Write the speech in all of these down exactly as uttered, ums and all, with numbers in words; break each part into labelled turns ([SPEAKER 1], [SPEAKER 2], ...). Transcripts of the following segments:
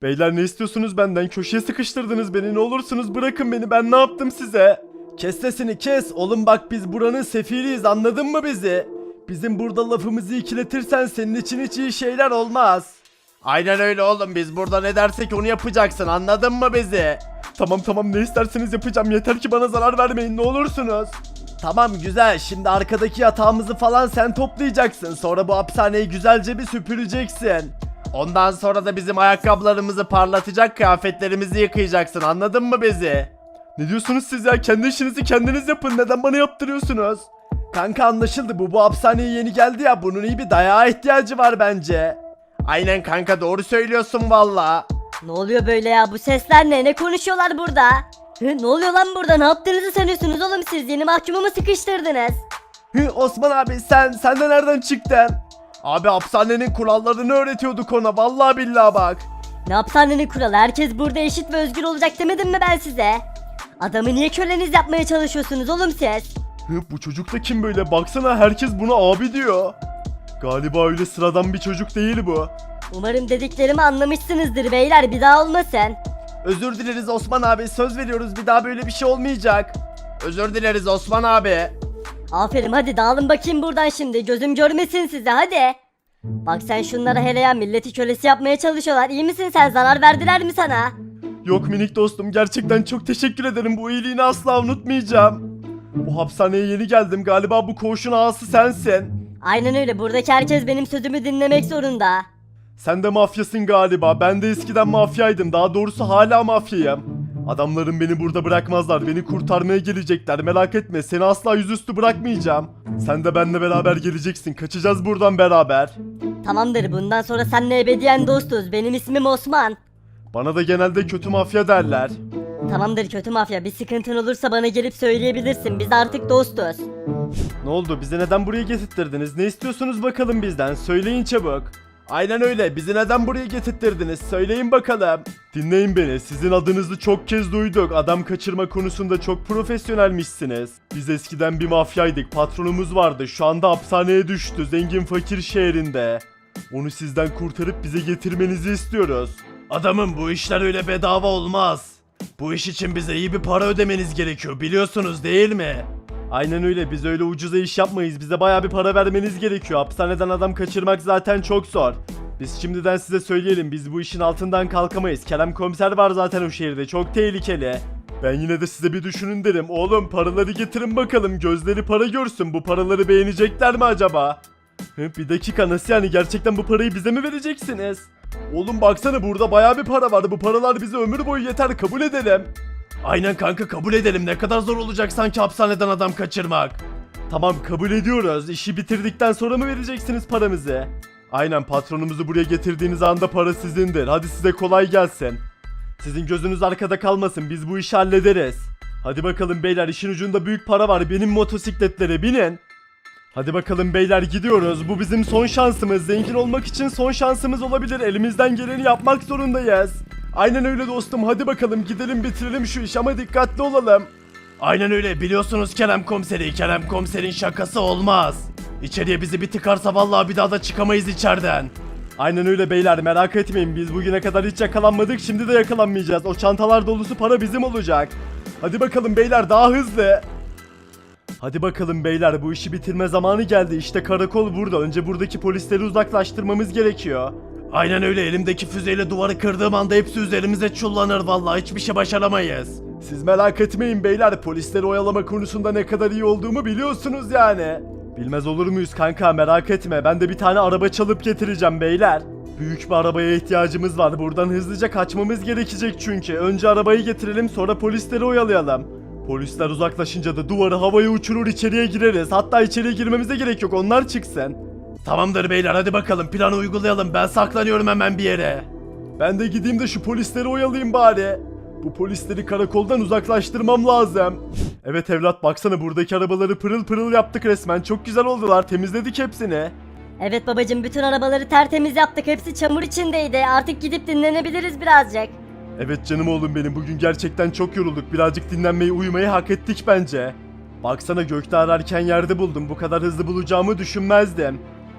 [SPEAKER 1] Beyler ne istiyorsunuz benden? Köşeye sıkıştırdınız beni. Ne olursunuz bırakın beni. Ben ne yaptım size? Kes sesini kes. Oğlum bak biz buranın sefiriyiz. Anladın mı bizi? Bizim burada lafımızı ikiletirsen senin için hiç iyi şeyler olmaz. Aynen öyle oğlum. Biz burada ne dersek onu yapacaksın. Anladın mı bizi? Tamam tamam ne isterseniz yapacağım. Yeter ki bana zarar vermeyin ne olursunuz. Tamam güzel. Şimdi arkadaki yatağımızı falan sen toplayacaksın. Sonra bu hapishaneyi güzelce bir süpüreceksin. Ondan sonra da bizim ayakkabılarımızı parlatacak, kıyafetlerimizi yıkayacaksın. Anladın mı bizi? Ne diyorsunuz siz ya? Kendi işinizi kendiniz yapın. Neden bana yaptırıyorsunuz? Kanka anlaşıldı. Bu bu hapishaneye yeni geldi ya. Bunun iyi bir dayağa ihtiyacı var bence. Aynen kanka doğru söylüyorsun valla.
[SPEAKER 2] Ne oluyor böyle ya? Bu sesler ne? Ne konuşuyorlar burada? Hı, ne oluyor lan burada? Ne yaptığınızı sanıyorsunuz oğlum siz? Yeni mahkumu mu sıkıştırdınız?
[SPEAKER 1] Hı, Osman abi sen, sen de nereden çıktın? Abi hapishanenin kurallarını öğretiyorduk ona. Vallahi billahi bak.
[SPEAKER 2] Ne hapishanenin kuralı? Herkes burada eşit ve özgür olacak demedim mi ben size? Adamı niye köleniz yapmaya çalışıyorsunuz oğlum siz?
[SPEAKER 1] Hı, bu çocuk da kim böyle? Baksana herkes buna abi diyor. Galiba öyle sıradan bir çocuk değil bu.
[SPEAKER 2] Umarım dediklerimi anlamışsınızdır beyler, bir daha olmasın.
[SPEAKER 1] Özür dileriz Osman abi. Söz veriyoruz bir daha böyle bir şey olmayacak. Özür dileriz Osman abi.
[SPEAKER 2] Aferin, hadi dağılın bakayım buradan şimdi, gözüm görmesin sizi, hadi. Bak sen şunlara hele ya, milleti kölesi yapmaya çalışıyorlar. İyi misin sen, zarar verdiler mi sana?
[SPEAKER 1] Yok minik dostum gerçekten çok teşekkür ederim. Bu iyiliğini asla unutmayacağım. Bu hapishaneye yeni geldim. Galiba bu koğuşun ağası sensin.
[SPEAKER 2] Aynen öyle, buradaki herkes benim sözümü dinlemek zorunda.
[SPEAKER 1] Sen de mafyasın galiba. Ben de eskiden mafyaydım. Daha doğrusu hala mafyayım. Adamlarım beni burada bırakmazlar. Beni kurtarmaya gelecekler. Merak etme. Seni asla yüzüstü bırakmayacağım. Sen de benimle beraber geleceksin. Kaçacağız buradan beraber.
[SPEAKER 2] Tamamdır, bundan sonra seninle ebediyen dostuz. Benim ismim Osman.
[SPEAKER 1] Bana da genelde kötü mafya derler.
[SPEAKER 2] Tamamdır kötü mafya, bir sıkıntın olursa bana gelip söyleyebilirsin. Biz artık dostuz.
[SPEAKER 1] Ne oldu? Bizi neden buraya getirttirdiniz? Ne istiyorsunuz bakalım bizden? Söyleyin çabuk. Aynen öyle. Bizi neden buraya getirttirdiniz? Söyleyin bakalım. Dinleyin beni. Sizin adınızı çok kez duyduk. Adam kaçırma konusunda çok profesyonelmişsiniz. Biz eskiden bir mafyaydık. Patronumuz vardı. Şu anda hapishaneye düştü. Zengin fakir şehrinde. Onu sizden kurtarıp bize getirmenizi istiyoruz. Adamım bu işler öyle bedava olmaz. Bu iş için bize iyi bir para ödemeniz gerekiyor. Biliyorsunuz değil mi? Aynen öyle. Biz öyle ucuza iş yapmayız. Bize bayağı bir para vermeniz gerekiyor. Hapishaneden adam kaçırmak zaten çok zor. Biz şimdiden size söyleyelim. Biz bu işin altından kalkamayız. Kerem komiser var zaten o şehirde. Çok tehlikeli. Ben yine de size bir düşünün derim. Oğlum paraları getirin bakalım. Gözleri para görsün. Bu paraları beğenecekler mi acaba? Hı, bir dakika nasıl yani? Gerçekten bu parayı bize mi vereceksiniz? Oğlum baksana burada bayağı bir para var. Bu paralar bize ömür boyu yeter. Kabul edelim. Aynen kanka kabul edelim. Ne kadar zor olacak sanki hapishaneden adam kaçırmak. Tamam kabul ediyoruz. İşi bitirdikten sonra mı vereceksiniz paramızı? Aynen patronumuzu buraya getirdiğiniz anda para sizindir. Hadi size kolay gelsin. Sizin gözünüz arkada kalmasın. Biz bu işi hallederiz. Hadi bakalım beyler işin ucunda büyük para var. Benim motosikletlere binin. Hadi bakalım beyler gidiyoruz. Bu bizim son şansımız. Zengin olmak için son şansımız olabilir. Elimizden geleni yapmak zorundayız. Aynen öyle dostum. Hadi bakalım gidelim bitirelim şu iş ama dikkatli olalım. Aynen öyle. Biliyorsunuz Kerem komiseri. Kerem komiserin şakası olmaz. İçeriye bizi bir tıkarsa vallahi bir daha da çıkamayız içeriden. Aynen öyle beyler merak etmeyin. Biz bugüne kadar hiç yakalanmadık. Şimdi de yakalanmayacağız. O çantalar dolusu para bizim olacak. Hadi bakalım beyler daha hızlı. Hadi bakalım beyler bu işi bitirme zamanı geldi. İşte karakol burada. Önce buradaki polisleri uzaklaştırmamız gerekiyor. Aynen öyle. Elimdeki füzeyle duvarı kırdığım anda hepsi üzerimize çullanır vallahi. Hiçbir şey başaramayız. Siz merak etmeyin beyler. Polisleri oyalama konusunda ne kadar iyi olduğumu biliyorsunuz yani. Bilmez olur muyuz kanka merak etme. Ben de bir tane araba çalıp getireceğim beyler. Büyük bir arabaya ihtiyacımız var. Buradan hızlıca kaçmamız gerekecek çünkü. Önce arabayı getirelim sonra polisleri oyalayalım. Polisler uzaklaşınca da duvarı havaya uçurur içeriye gireriz. Hatta içeriye girmemize gerek yok onlar çıksın. Tamamdır beyler hadi bakalım planı uygulayalım. Ben saklanıyorum hemen bir yere. Ben de gideyim de şu polisleri oyalayayım bari. Bu polisleri karakoldan uzaklaştırmam lazım. Evet evlat baksana buradaki arabaları pırıl pırıl yaptık resmen. Çok güzel oldular temizledik hepsini.
[SPEAKER 2] Evet babacım, bütün arabaları tertemiz yaptık, hepsi çamur içindeydi. Artık gidip dinlenebiliriz birazcık.
[SPEAKER 1] Evet canım oğlum benim bugün gerçekten çok yorulduk. Birazcık dinlenmeyi uyumayı hak ettik bence. Baksana gökte ararken yerde buldum. Bu kadar hızlı bulacağımı düşünmezdim.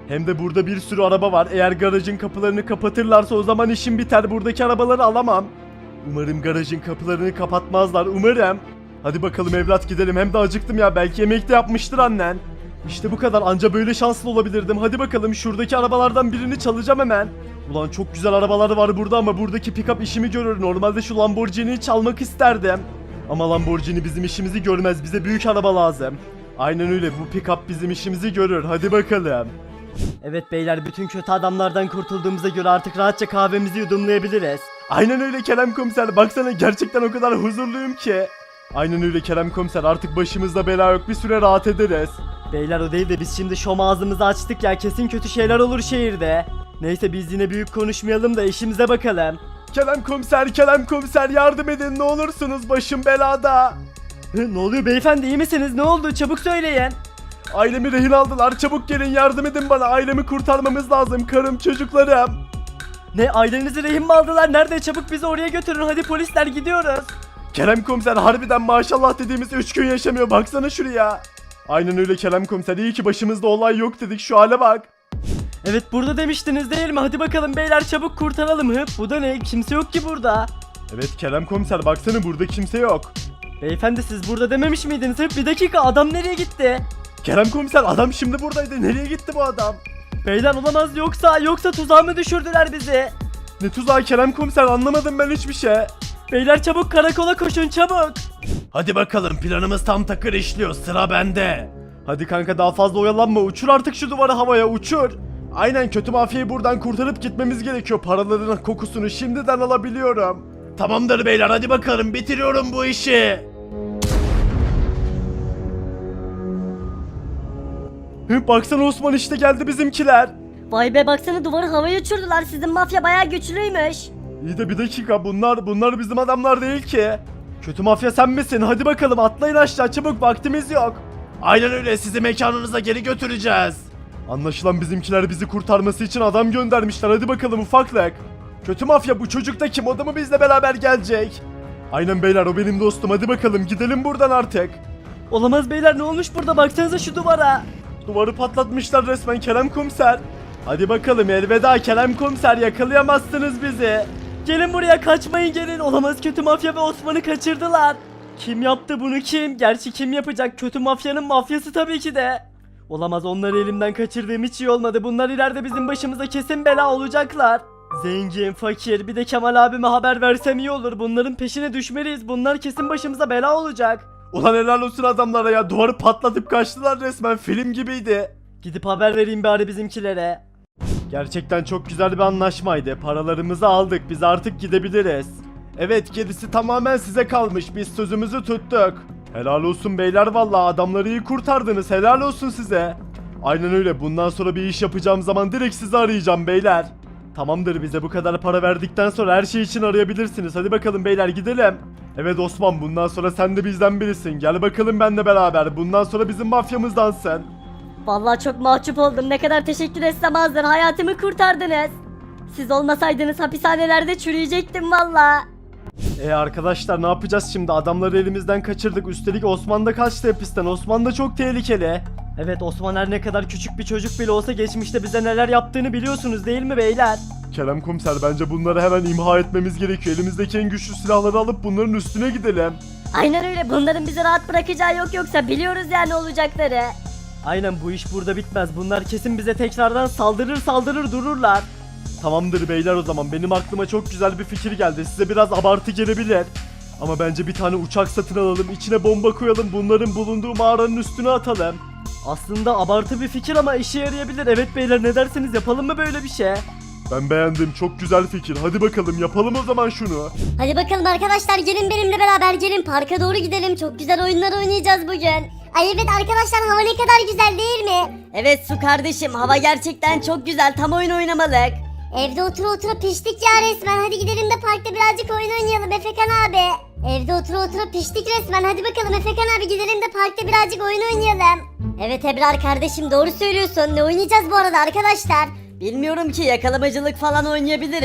[SPEAKER 1] Hem de burada bir sürü araba var. Eğer garajın kapılarını kapatırlarsa o zaman işim biter. Buradaki arabaları alamam. Umarım garajın kapılarını kapatmazlar. Umarım. Hadi bakalım evlat gidelim. Hem de acıktım ya. Belki yemek de yapmıştır annen. İşte bu kadar. Anca böyle şanslı olabilirdim. Hadi bakalım şuradaki arabalardan birini çalacağım hemen. Ulan çok güzel arabalar var burada ama buradaki pick-up işimi görür. Normalde şu Lamborghini'yi çalmak isterdim. Ama Lamborghini bizim işimizi görmez. Bize büyük araba lazım. Aynen öyle. Bu pick-up bizim işimizi görür. Hadi bakalım. Evet beyler, bütün kötü adamlardan kurtulduğumuza göre artık rahatça kahvemizi yudumlayabiliriz. Aynen öyle Kerem Komiser. Baksana gerçekten o kadar huzurluyum ki. Aynen öyle Kerem Komiser. Artık başımızda bela yok. Bir süre rahat ederiz. Beyler o değil de biz şimdi şom ağzımızı açtık ya. Kesin kötü şeyler olur şehirde. Neyse biz yine büyük konuşmayalım da işimize bakalım. Kerem Komiser, Kerem Komiser yardım edin ne olursunuz. Başım belada. Hı, ne oluyor beyefendi, iyi misiniz? Ne oldu? Çabuk söyleyin. Ailemi rehin aldılar. Çabuk gelin yardım edin bana. Ailemi kurtarmamız lazım. Karım, çocuklarım. Ne, ailenizi rehin mi aldılar? Nerede? Çabuk bizi oraya götürün. Hadi polisler, gidiyoruz. Kerem Komiser harbiden maşallah dediğimiz üç gün yaşamıyor. Baksana şuraya. Aynen öyle Kerem Komiser. İyi ki başımızda olay yok dedik. Şu hale bak. Evet burada demiştiniz değil mi? Hadi bakalım beyler çabuk kurtaralım. Hıp bu da ne? Kimse yok ki burada. Evet Kerem Komiser baksana burada kimse yok. Beyefendi siz burada dememiş miydiniz? Hıp bir dakika, adam nereye gitti? Kerem Komiser adam şimdi buradaydı. Nereye gitti bu adam? Beyler olamaz, yoksa yoksa tuzağa mı düşürdüler bizi? Ne tuzağı Kerem Komiser, anlamadım ben hiçbir şey. Beyler çabuk karakola koşun çabuk. Hadi bakalım planımız tam takır işliyor, sıra bende. Hadi kanka daha fazla oyalanma, uçur artık şu duvarı havaya, uçur. Aynen, kötü mafyayı buradan kurtarıp gitmemiz gerekiyor. Paraların kokusunu şimdiden alabiliyorum. Tamamdır beyler, hadi bakalım bitiriyorum bu işi. Hı, baksana Osman, işte geldi bizimkiler.
[SPEAKER 2] Vay be, baksana duvarı havaya uçurdular. Sizin mafya bayağı güçlüymüş.
[SPEAKER 1] İyi de bir dakika, bunlar bunlar bizim adamlar değil ki. Kötü mafya sen misin? Hadi bakalım atlayın aşağı çabuk, vaktimiz yok. Aynen öyle, sizi mekanınıza geri götüreceğiz. Anlaşılan bizimkiler bizi kurtarması için adam göndermişler. Hadi bakalım ufaklık. Kötü mafya, bu çocuk da kim? O da mı bizle beraber gelecek? Aynen beyler, o benim dostum. Hadi bakalım gidelim buradan artık. Olamaz beyler, ne olmuş burada? Baksanıza şu duvara. Duvarı patlatmışlar resmen Kerem Komiser. Hadi bakalım elveda Kerem Komiser, yakalayamazsınız bizi. Gelin buraya, kaçmayın gelin. Olamaz, kötü mafya ve Osman'ı kaçırdılar. Kim yaptı bunu, kim? Gerçi kim yapacak? Kötü mafyanın mafyası tabii ki de. Olamaz, onları elimden kaçırdığım hiç iyi olmadı. Bunlar ileride bizim başımıza kesin bela olacaklar. Zengin, fakir, bir de Kemal abime haber versem iyi olur. Bunların peşine düşmeliyiz. Bunlar kesin başımıza bela olacak. Ulan helal olsun adamlara ya. Duvarı patlatıp kaçtılar resmen. Film gibiydi. Gidip haber vereyim bari bizimkilere. Gerçekten çok güzel bir anlaşmaydı. Paralarımızı aldık. Biz artık gidebiliriz. Evet, gerisi tamamen size kalmış. Biz sözümüzü tuttuk. Helal olsun beyler, vallahi adamları iyi kurtardınız. Helal olsun size. Aynen öyle. Bundan sonra bir iş yapacağım zaman direkt sizi arayacağım beyler. Tamamdır, bize bu kadar para verdikten sonra her şey için arayabilirsiniz. Hadi bakalım beyler gidelim. Evet Osman, bundan sonra sen de bizden birisin. Gel bakalım benimle beraber. Bundan sonra bizim mafyamızdansın.
[SPEAKER 2] Vallahi çok mahcup oldum. Ne kadar teşekkür etsem azdır. Hayatımı kurtardınız. Siz olmasaydınız hapishanelerde çürüyecektim vallahi.
[SPEAKER 1] E arkadaşlar ne yapacağız şimdi? Adamları elimizden kaçırdık. Üstelik Osman da kaçtı hapisten. Osman da çok tehlikeli. Evet, Osman her ne kadar küçük bir çocuk bile olsa geçmişte bize neler yaptığını biliyorsunuz değil mi beyler? Kerem Komiser, bence bunları hemen imha etmemiz gerekiyor. Elimizdeki en güçlü silahları alıp bunların üstüne gidelim.
[SPEAKER 2] Aynen öyle, bunların bizi rahat bırakacağı yok, yoksa biliyoruz yani olacakları.
[SPEAKER 1] Aynen, bu iş burada bitmez. Bunlar kesin bize tekrardan saldırır saldırır dururlar. Tamamdır beyler, o zaman benim aklıma çok güzel bir fikir geldi. Size biraz abartı gelebilir. Ama bence bir tane uçak satın alalım, içine bomba koyalım, bunların bulunduğu mağaranın üstüne atalım. Aslında abartı bir fikir ama işe yarayabilir. Evet beyler, ne dersiniz, yapalım mı böyle bir şey? Ben beğendim, çok güzel fikir. Hadi bakalım yapalım o zaman şunu.
[SPEAKER 3] Hadi bakalım arkadaşlar, gelin benimle beraber, gelin parka doğru gidelim. Çok güzel oyunlar oynayacağız bugün. Ay evet arkadaşlar, hava ne kadar güzel değil mi?
[SPEAKER 2] Evet Su kardeşim, hava gerçekten çok güzel, tam oyun oynamalık.
[SPEAKER 3] Evde otura otura piştik ya resmen. Hadi gidelim de parkta birazcık oyun oynayalım Efekan abi. Evde otura otura piştik resmen. Hadi bakalım Efekan abi, gidelim de parkta birazcık oyun oynayalım. Evet Ebrar kardeşim, doğru söylüyorsun. Ne oynayacağız bu arada arkadaşlar?
[SPEAKER 2] Bilmiyorum ki, yakalamacılık falan oynayabiliriz.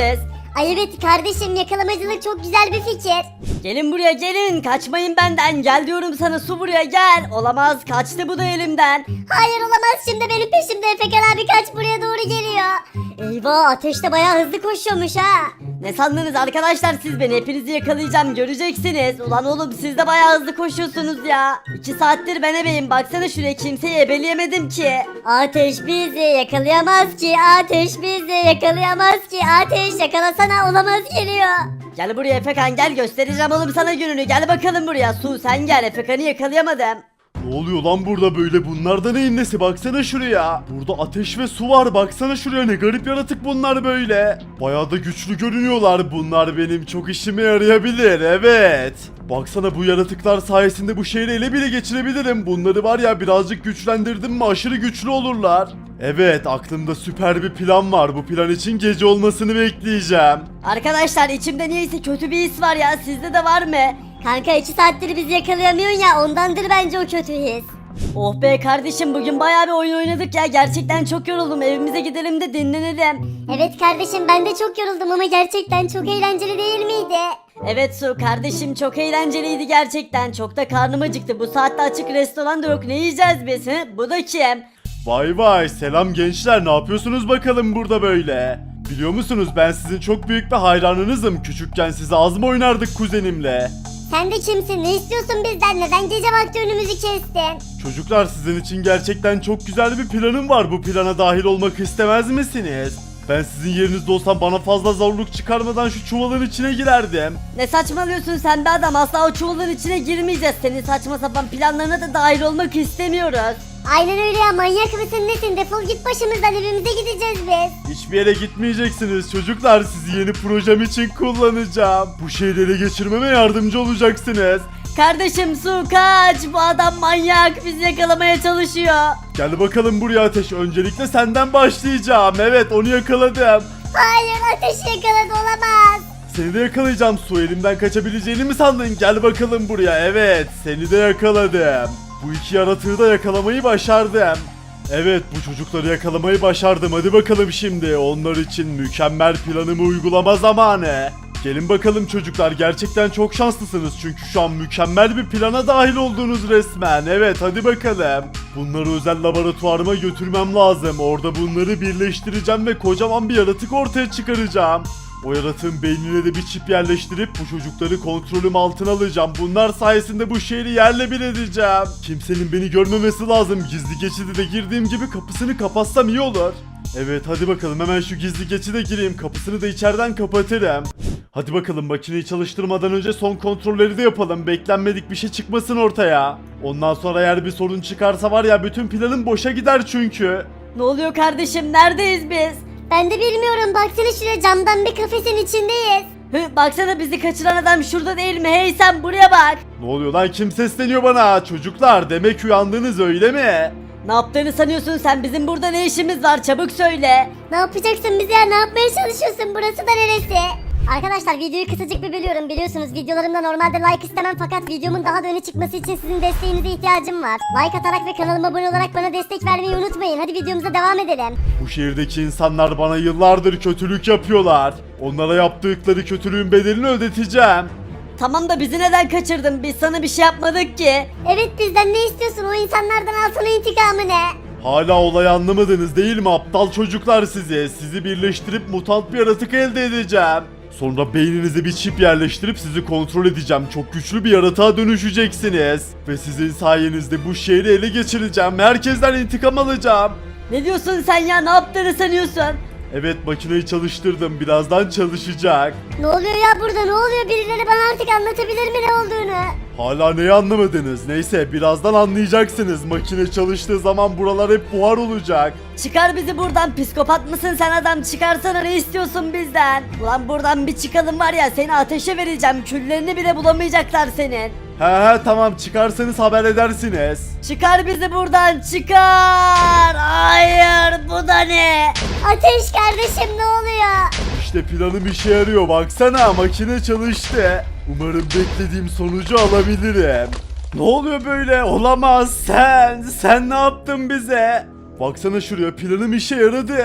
[SPEAKER 3] Ay evet kardeşim, yakalamacılık çok güzel bir fikir.
[SPEAKER 2] Gelin buraya gelin, kaçmayın benden, gel diyorum sana, su buraya gel. Olamaz, kaçtı bu da elimden.
[SPEAKER 3] Hayır olamaz, şimdi benim peşimde. Efekan abi kaç, buraya doğru geliyor. Eyvah, Ateş de bayağı hızlı koşuyormuş ha.
[SPEAKER 2] Ne sandınız arkadaşlar siz beni? Hepinizi yakalayacağım, göreceksiniz. Ulan oğlum siz de bayağı hızlı koşuyorsunuz ya. İki saattir ben ebeyim, baksana şuraya, kimseyi ebeleyemedim ki.
[SPEAKER 3] Ateş bizi yakalayamaz ki, Ateş bizi yakalayamaz ki, Ateş yakalasana, olamaz geliyor.
[SPEAKER 2] Gel buraya Efekan, gel göstereceğim oğlum sana gününü, gel bakalım buraya. Su sen gel, Efekan'ı yakalayamadım.
[SPEAKER 1] Ne oluyor lan burada böyle? Bunlar neyin nesi? Baksana şuraya. Burada ateş ve su var. Baksana şuraya, ne garip yaratık bunlar böyle. Bayağı da güçlü görünüyorlar. Bunlar benim çok işime yarayabilir. Evet. Baksana, bu yaratıklar sayesinde bu şehri ele bile geçirebilirim. Bunları var ya, birazcık güçlendirdim mi aşırı güçlü olurlar. Evet, aklımda süper bir plan var. Bu plan için gece olmasını bekleyeceğim.
[SPEAKER 2] Arkadaşlar içimde niyeyse kötü bir his var ya, sizde de var mı?
[SPEAKER 3] Kanka iki saattir bizi yakalayamıyorsun ya, ondandır bence o kötü his.
[SPEAKER 2] Oh be kardeşim, bugün bayağı bir oyun oynadık ya, gerçekten çok yoruldum, evimize gidelim de dinlenelim.
[SPEAKER 3] Evet kardeşim, ben de çok yoruldum ama gerçekten çok eğlenceli değil miydi?
[SPEAKER 2] Evet Su kardeşim, çok eğlenceliydi gerçekten, çok da karnım acıktı, bu saatte açık restoran da yok, ne yiyeceğiz biz hı? Bu da kim?
[SPEAKER 1] Vay vay, selam gençler, ne yapıyorsunuz bakalım burada böyle? Biliyor musunuz, ben sizin çok büyük bir hayranınızım. Küçükken siz az mı oynardık kuzenimle?
[SPEAKER 3] Sen de kimsin? Ne istiyorsun bizden? Neden gece vakti önümüzü kestin?
[SPEAKER 1] Çocuklar, sizin için gerçekten çok güzel bir planım var. Bu plana dahil olmak istemez misiniz? Ben sizin yerinizde olsam bana fazla zorluk çıkarmadan şu çuvalın içine girerdim.
[SPEAKER 2] Ne saçmalıyorsun sen be adam, asla o çuvalın içine girmeyeceğiz, senin saçma sapan planlarına da dahil olmak istemiyoruz.
[SPEAKER 3] Aynen öyle ya, manyak mısın nesin? Defol git başımızdan, evimize gideceğiz biz.
[SPEAKER 1] Hiçbir yere gitmeyeceksiniz çocuklar. Sizi yeni projem için kullanacağım. Bu şehri ele geçirmeme yardımcı olacaksınız.
[SPEAKER 2] Kardeşim Su kaç, bu adam manyak, bizi yakalamaya çalışıyor.
[SPEAKER 1] Gel bakalım buraya Ateş. Öncelikle senden başlayacağım. Evet, onu yakaladım.
[SPEAKER 3] Hayır, Ateşi yakaladı, olamaz.
[SPEAKER 1] Seni de yakalayacağım. Su, elimden kaçabileceğini mi sandın? Gel bakalım buraya. Evet, seni de yakaladım. Bu iki yaratığı da yakalamayı başardım. Evet, bu çocukları yakalamayı başardım. Hadi bakalım şimdi. Onlar için mükemmel planımı uygulama zamanı. Gelin bakalım çocuklar, gerçekten çok şanslısınız çünkü şu an mükemmel bir plana dahil oldunuz resmen. Evet, hadi bakalım. Bunları özel laboratuvarıma götürmem lazım. Orada bunları birleştireceğim ve kocaman bir yaratık ortaya çıkaracağım. O yaratığın beynine de bir çip yerleştirip bu çocukları kontrolüm altına alacağım. Bunlar sayesinde bu şehri yerle bir edeceğim. Kimsenin beni görmemesi lazım. Gizli geçidi de girdiğim gibi kapısını kapatsam iyi olur. Evet, hadi bakalım, hemen şu gizli geçide gireyim. Kapısını da içeriden kapatırım. Hadi bakalım, makineyi çalıştırmadan önce son kontrolleri de yapalım. Beklenmedik bir şey çıkmasın ortaya. Ondan sonra eğer bir sorun çıkarsa var ya, bütün planım boşa gider çünkü.
[SPEAKER 2] Ne oluyor kardeşim, neredeyiz biz?
[SPEAKER 3] Ben de bilmiyorum, baksana şuraya, camdan bir kafesin içindeyiz.
[SPEAKER 2] Hı, baksana bizi kaçıran adam şurada değil mi? Hey sen buraya bak.
[SPEAKER 1] Ne oluyor lan, kim sesleniyor bana? Çocuklar, demek uyandınız öyle mi?
[SPEAKER 2] Ne yaptığını sanıyorsun sen? Bizim burada ne işimiz var? Çabuk söyle.
[SPEAKER 3] Ne yapacaksın bize ya, ne yapmaya çalışıyorsun, burası da neresi? Arkadaşlar videoyu kısacık bir bölüyorum, biliyorsunuz videolarımda normalde like istemem fakat videomun daha da öne çıkması için sizin desteğinize ihtiyacım var. Like atarak ve kanalıma abone olarak bana destek vermeyi unutmayın, hadi videomuza devam edelim.
[SPEAKER 1] Bu şehirdeki insanlar bana yıllardır kötülük yapıyorlar. Onlara yaptıkları kötülüğün bedelini ödeteceğim.
[SPEAKER 2] Tamam da bizi neden kaçırdın? Biz sana bir şey yapmadık ki.
[SPEAKER 3] Evet, bizden ne istiyorsun, o insanlardan alsana intikamını.
[SPEAKER 1] Hala olayı anlamadınız değil mi aptal çocuklar sizi? Sizi birleştirip mutant bir yaratık elde edeceğim. Sonra beyninize bir çip yerleştirip sizi kontrol edeceğim. Çok güçlü bir yaratığa dönüşeceksiniz. Ve sizin sayenizde bu şehri ele geçireceğim. Herkesten intikam alacağım.
[SPEAKER 2] Ne diyorsun sen ya? Ne yaptığını sanıyorsun?
[SPEAKER 1] Evet, makineyi çalıştırdım. Birazdan çalışacak.
[SPEAKER 3] Ne oluyor ya burada, ne oluyor, birileri bana artık anlatabilir mi ne olduğunu?
[SPEAKER 1] Hala neyi anlamadınız? Neyse, birazdan anlayacaksınız. Makine çalıştığı zaman buralar hep buhar olacak.
[SPEAKER 2] Çıkar bizi buradan, psikopat mısın sen adam? Çıkarsana, ne istiyorsun bizden? Ulan buradan bir çıkalım var ya, seni ateşe vereceğim, küllerini bile bulamayacaklar senin.
[SPEAKER 1] He he, tamam, çıkarsanız haber edersiniz.
[SPEAKER 2] Çıkar bizi buradan, çıkar. Hayır, bu da ne?
[SPEAKER 3] Ateş kardeşim, ne oluyor?
[SPEAKER 1] İşte planım işe yarıyor, baksana, makine çalıştı. Umarım beklediğim sonucu alabilirim. Ne oluyor böyle? Olamaz, sen! Sen ne yaptın bize? Baksana şuraya, planım işe yaradı.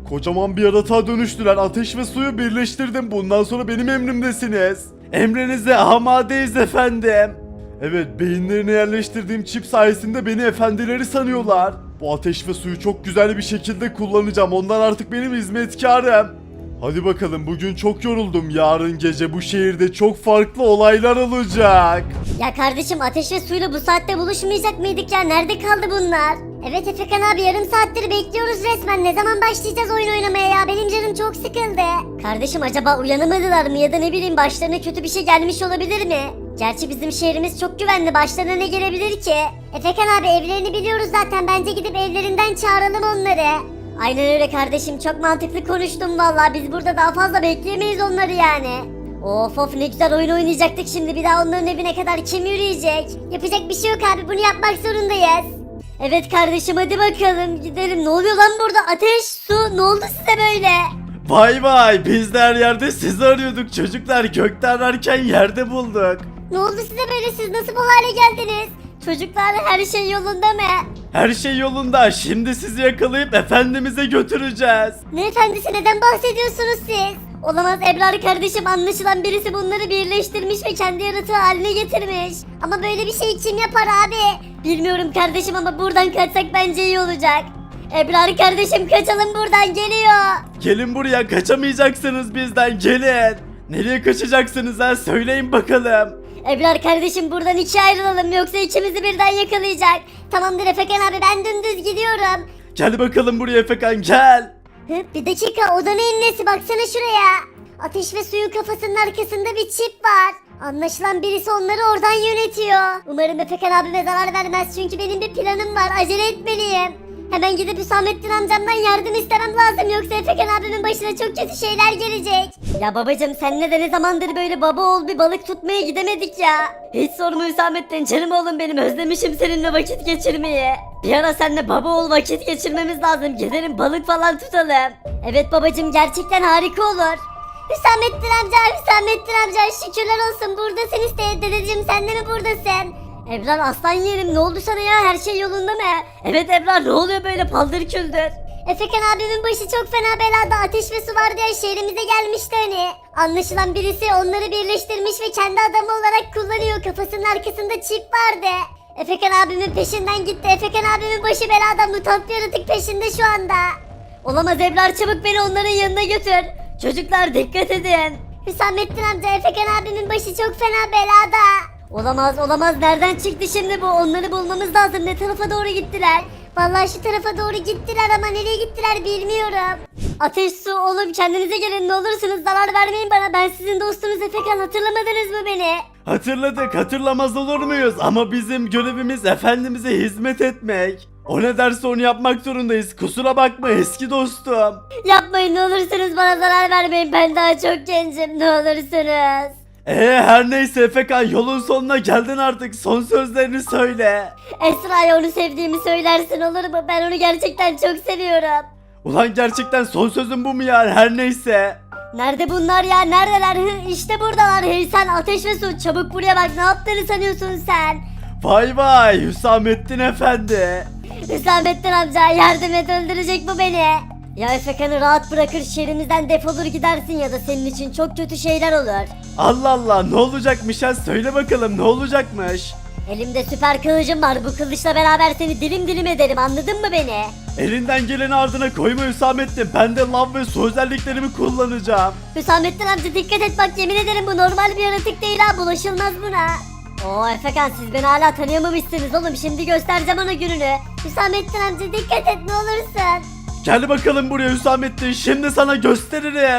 [SPEAKER 1] Kocaman bir yaratığa dönüştüler. Ateş ve suyu birleştirdim. Bundan sonra benim emrimdesiniz. Emrinize amadeyiz efendim. Evet, beyinlerine yerleştirdiğim çip sayesinde beni efendileri sanıyorlar. Bu ateş ve suyu çok güzel bir şekilde kullanacağım. Onlar artık benim hizmetkarım. Hadi bakalım, bugün çok yoruldum. Yarın gece bu şehirde çok farklı olaylar olacak.
[SPEAKER 3] Ya kardeşim ateş ve suyla bu saatte buluşmayacak mıydık ya? Nerede kaldı bunlar? Evet Efekan abi, yarım saattir bekliyoruz resmen. Ne zaman başlayacağız oyun oynamaya ya? Benim canım çok sıkıldı. Kardeşim acaba uyanamadılar mı ya da ne bileyim başlarına kötü bir şey gelmiş olabilir mi? Gerçi bizim şehrimiz çok güvenli. Başlarına ne gelebilir ki? Efekan abi, evlerini biliyoruz zaten. Bence gidip evlerinden çağıralım onları. Aynen öyle kardeşim, çok mantıklı konuştun vallahi. Biz burada daha fazla bekleyemeyiz onları yani. Of of, ne güzel oyun oynayacaktık, şimdi bir daha onların evine kadar kim yürüyecek? Yapacak bir şey yok abi, bunu yapmak zorundayız. Evet kardeşim, hadi bakalım gidelim. Ne oluyor lan burada? Ateş, su, ne oldu size böyle?
[SPEAKER 1] Vay vay, biz de her yerde sizi arıyorduk çocuklar. Gökte ararken yerde bulduk.
[SPEAKER 3] Ne oldu size böyle, siz nasıl bu hale geldiniz? Çocuklar, her şey yolunda mı?
[SPEAKER 1] Her şey yolunda. Şimdi sizi yakalayıp efendimize götüreceğiz.
[SPEAKER 3] Ne efendisi, neden bahsediyorsunuz siz? Olamaz Ebrar kardeşim, anlaşılan birisi bunları birleştirmiş ve kendi yaratığı haline getirmiş. Ama böyle bir şey kim yapar abi? Bilmiyorum kardeşim ama buradan kaçsak bence iyi olacak. Ebrar kardeşim, kaçalım buradan, geliyor.
[SPEAKER 1] Gelin buraya, kaçamayacaksınız bizden, gelin. Nereye kaçacaksınız ha, söyleyin bakalım.
[SPEAKER 3] Ebrar kardeşim, buradan ikiye ayrılalım yoksa ikimizi birden yakalayacak. Tamamdır Efekan abi, ben dümdüz gidiyorum.
[SPEAKER 1] Gel bakalım buraya Efekan, gel.
[SPEAKER 3] Hı, bir dakika, o da neyin nesi, baksana şuraya. Ateş ve suyun kafasının arkasında bir çip var. Anlaşılan birisi onları oradan yönetiyor. Umarım Efekan abime zarar vermez çünkü benim bir planım var, acele etmeliyim. Hemen gidip Hüsamettin amcamdan yardım istemem lazım yoksa Efekan abimin başına çok kötü şeyler gelecek. Ya babacım, senle de ne zamandır böyle baba oğul bir balık tutmaya gidemedik ya.
[SPEAKER 2] Hiç sorma Hüsamettin, canım oğlum benim, özlemişim seninle vakit geçirmeyi. Bir ara seninle baba oğul vakit geçirmemiz lazım, gidelim balık falan tutalım.
[SPEAKER 3] Evet babacım, gerçekten harika olur. Hüsamettin amca, Hüsamettin amca, şükürler olsun buradasın işte. Dedeciğim, sen de mi buradasın?
[SPEAKER 2] Ebrar aslan yerim, ne oldu sana ya, her şey yolunda mı? Evet Ebrar, ne oluyor böyle paldır küldür?
[SPEAKER 3] Efekan abimin başı çok fena belada, ateş ve su var diye şehrimize gelmişti hani. Anlaşılan birisi onları birleştirmiş ve kendi adamı olarak kullanıyor. Kafasının arkasında çip vardı. Efekan abimin peşinden gitti. Efekan abimin başı belada, mutant bir yaratık peşinde şu anda.
[SPEAKER 2] Olamaz Ebrar, çabuk beni onların yanına götür. Çocuklar dikkat edin.
[SPEAKER 3] Hüsamettin amca, Efekan abimin başı çok fena belada.
[SPEAKER 2] Olamaz olamaz, nereden çıktı şimdi bu, onları bulmamız lazım, ne tarafa doğru gittiler?
[SPEAKER 3] Vallahi şu tarafa doğru gittiler ama nereye gittiler bilmiyorum.
[SPEAKER 2] Ateş, su, oğlum kendinize gelin, ne olursunuz zarar vermeyin bana, ben sizin dostunuz Efekan, hatırlamadınız mı beni?
[SPEAKER 1] Hatırladık, hatırlamaz olur muyuz? Ama bizim görevimiz efendimize hizmet etmek. O ne derse onu yapmak zorundayız. Kusura bakma eski dostum.
[SPEAKER 2] Yapmayın ne olursunuz, bana zarar vermeyin, ben daha çok gencim, ne olursunuz.
[SPEAKER 1] Ee her neyse Efekan, yolun sonuna geldin artık. Son sözlerini söyle.
[SPEAKER 2] Esra'ya onu sevdiğimi söylersin olur mu? Ben onu gerçekten çok seviyorum.
[SPEAKER 1] Ulan gerçekten son sözün bu mu ya? Her neyse.
[SPEAKER 2] Nerede bunlar ya? Neredeler? Hı, işte buradalar. Hey sen, ateş ve su, çabuk buraya bak, ne yaptığını sanıyorsun sen?
[SPEAKER 1] Vay vay Hüsamettin efendi.
[SPEAKER 2] Hüsamettin amca, yardım et, öldürecek bu beni. Ya Efekan'ı rahat bırakır şehrimizden defolur gidersin ya da senin için çok kötü şeyler olur.
[SPEAKER 1] Allah Allah, ne olacakmış ha, söyle bakalım ne olacakmış.
[SPEAKER 2] Elimde süper kılıcım var, bu kılıçla beraber seni dilim dilim ederim, anladın mı beni?
[SPEAKER 1] Elinden geleni ardına koyma Hüsamettin. Ben de lav ve su özelliklerimi kullanacağım.
[SPEAKER 2] Hüsamettin amca dikkat et bak, yemin ederim bu normal bir yaratık değil ha, bulaşılmaz buna. Oo Efekan, siz beni hala tanıyamamışsınız oğlum, şimdi göstereceğim ona gününü.
[SPEAKER 3] Hüsamettin amca dikkat et ne olursun.
[SPEAKER 1] Gel bakalım buraya Hüsamettin, şimdi sana gösteririm.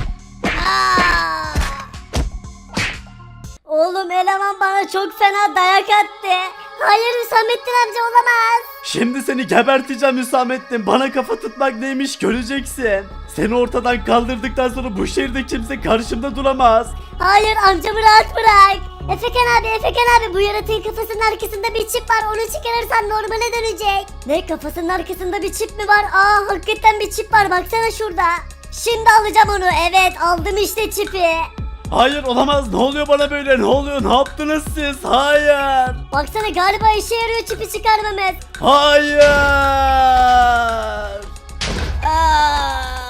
[SPEAKER 2] Oğlum eleman bana çok fena dayak attı.
[SPEAKER 3] Hayır Hüsamettin amca, olamaz.
[SPEAKER 1] Şimdi seni geberteceğim Hüsamettin. Bana kafa tutmak neymiş göreceksin. Seni ortadan kaldırdıktan sonra bu şehirde kimse karşımda duramaz.
[SPEAKER 3] Hayır, amcamı rahat bırak. Efekan abi, Efekan abi, bu yaratığın kafasının arkasında bir çip var, onu çıkarırsan normale dönecek.
[SPEAKER 2] Ne, kafasının arkasında bir çip mi var? Aa hakikaten bir çip var, baksana şurada. Şimdi alacağım onu, evet aldım işte çipi.
[SPEAKER 1] Hayır olamaz, ne oluyor bana böyle, ne oluyor, ne yaptınız siz? Hayır.
[SPEAKER 2] Baksana, galiba işe yarıyor çipi çıkarmamız.
[SPEAKER 1] Hayır.
[SPEAKER 2] Aa.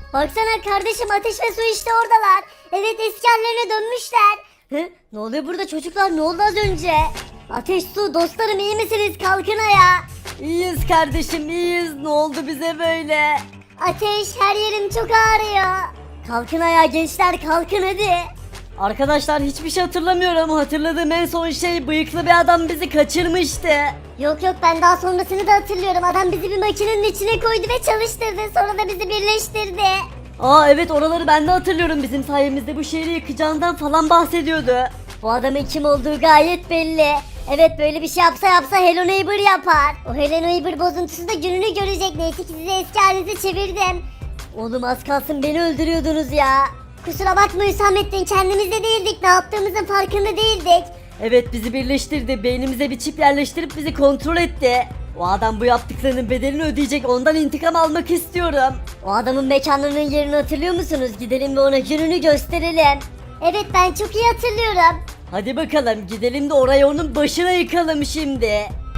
[SPEAKER 3] Baksana kardeşim, Ateş ve Su işte oradalar. Evet, eski hallerine dönmüşler. Hı? Ne oluyor burada çocuklar, ne oldu az önce? Ateş, Su, dostlarım iyi misiniz? Kalkın ayağa.
[SPEAKER 2] İyiyiz kardeşim iyiyiz. Ne oldu bize böyle?
[SPEAKER 3] Ateş, her yerim çok ağrıyor. Kalkın ayağa gençler, kalkın hadi.
[SPEAKER 2] Arkadaşlar hiçbir şey hatırlamıyorum. Hatırladığım en son şey bıyıklı bir adam bizi kaçırmıştı.
[SPEAKER 3] Yok yok, ben daha sonrasını da hatırlıyorum. Adam bizi bir makinenin içine koydu ve çalıştırdı. Sonra da bizi birleştirdi.
[SPEAKER 2] Aa evet oraları ben de hatırlıyorum. Bizim sayemizde bu şehri yıkacağından falan bahsediyordu.
[SPEAKER 3] Bu adamın kim olduğu gayet belli. Evet, böyle bir şey yapsa yapsa Hello Neighbor yapar. O Hello Neighbor bozuntusu da gününü görecek. Neyse ki sizi eski halinize çevirdim.
[SPEAKER 2] Oğlum az kalsın beni öldürüyordunuz ya.
[SPEAKER 3] Kusura bakma Hüsamettin, kendimizde değildik. Ne yaptığımızın farkında değildik.
[SPEAKER 2] Evet bizi birleştirdi. Beynimize bir çip yerleştirip bizi kontrol etti. O adam bu yaptıklarının bedelini ödeyecek. Ondan intikam almak istiyorum.
[SPEAKER 3] O adamın mekanının yerini hatırlıyor musunuz? Gidelim ve ona gününü gösterelim. Evet, ben çok iyi hatırlıyorum.
[SPEAKER 2] Hadi bakalım gidelim de orayı onun başına yıkalım şimdi.